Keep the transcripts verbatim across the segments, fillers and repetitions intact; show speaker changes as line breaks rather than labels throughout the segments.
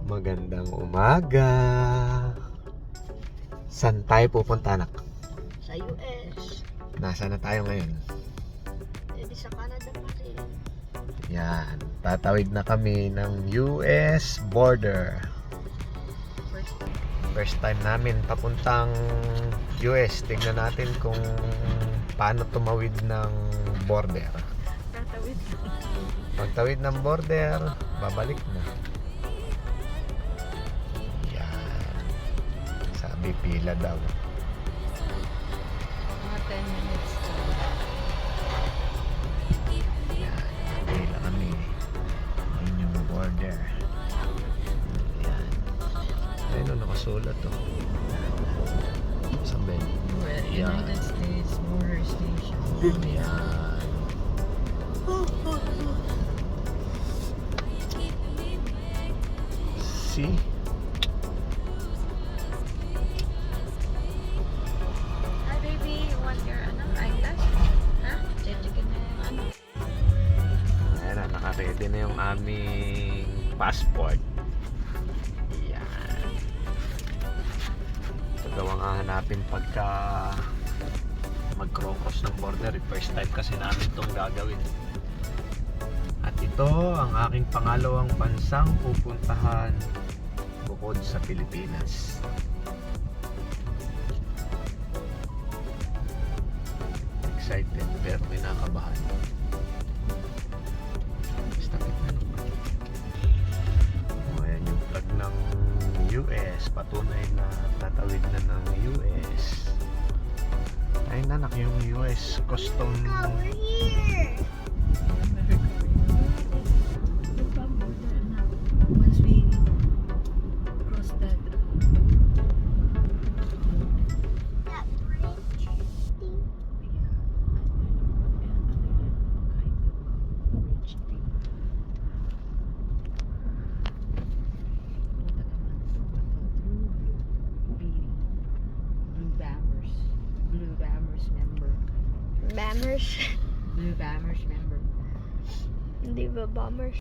Magandang umaga. Saan tayo pupunta, anak?
Sa U S.
Nasaan na tayo ngayon?
Eh di sa Canada pa rin.
Yan, tatawid na kami ng U S border.
First time.
First time namin papuntang U S. Tingnan natin kung paano tumawid ng border.
Tatawid.
Pagtawid ng border, babalik na. Yan. Sabi pila daw.
Mga ten minutes to.
Yan, pila kami. Yun yung border. Yan. Ayun o, nakasulat o. Saan ba yun? Yan.
United States Border Station.
Yan. See?
Hi baby, you want your ano, eyeglass? Ha? Check ka na yung ano.
Ayan na, naka-ready na yung aming passport. Yan. Ito daw ang hahanapin pagka mag-cross ng border. First time kasi namin itong gagawin. At ito ang aking pangalawang bansang pupuntahan bukod sa Pilipinas. Excited pero kinakabahan. Stop it na. O, ayan yung flag ng U S. Patunay na tatawid na ng U S. Ay nanak, yung U S custom.
Once we cross that
Bammers.
Blue Bammers member.
Hindi ba bombers?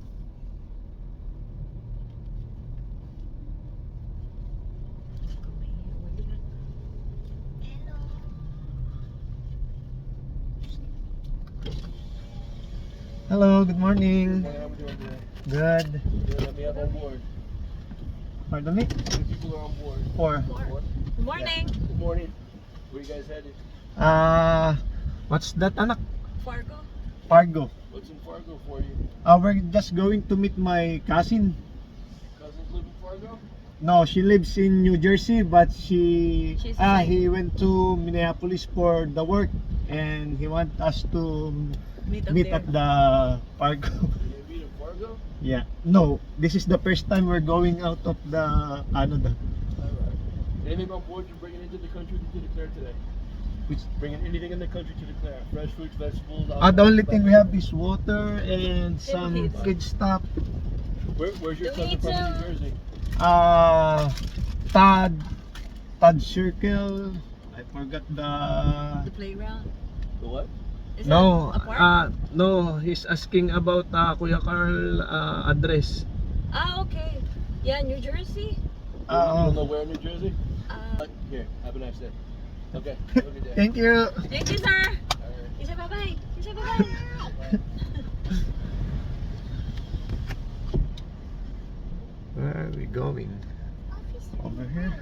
Hello, good morning. Good.
We have on board.
Pardon me?
How many people are on board?
Four.
Four.
Good morning.
Good morning. Where you guys headed?
Uh, what's that, anak?
Fargo.
Fargo.
What's in Fargo for you?
Uh, we're just going to meet my cousin.
Cousins live in Fargo?
No, she lives in New Jersey, but she
She's
ah
inside.
he went to Minneapolis for the work, and he want us to
Meet up
meet
there.
at the Fargo.
You meet in Fargo?
Yeah. No, this is the first time we're going out of the Canada.
Alright. Anything on board you're bringing into the country to declare today?
Which,
Bringing anything in the country to declare? Fresh fruits, vegetables?
ah, the only thing we have is water and some
kids.
kid stuff.
Where, where's your
Do we
cousin from in
need
New Jersey?
Uh, Todd, Todd Circle. I forgot the.
The playground.
The what?
Is
No,
that a park?
uh, no, he's asking about uh, Kuya Carl uh, address.
Ah, okay. Yeah, New Jersey.
you
Uh,
don't know where in New Jersey?
Uh,
Here, have a nice day. Okay, have a good day.
Thank you.
thank you, sir.
Alright.
Isa bye-bye. Isa bye-bye.
Where are we going? Over here.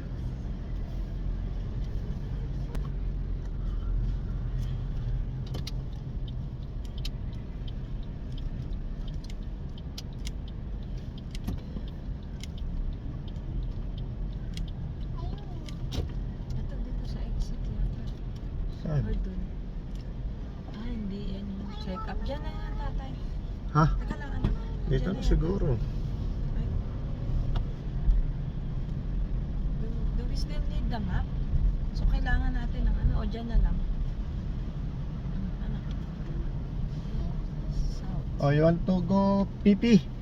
Ito dito sa exit yata.
Saan?
Or dun. Ah, hindi. Yan yung check up. Diyan na yan, tatay.
Ha?
Teka lang, ano?
Dito
Diyan
na
yan.
siguro.
Ay. Do, do we still need the map? So, kailangan natin ng ano? O, dyan na lang. Ano? South.
Oh, you want to go pee-pee?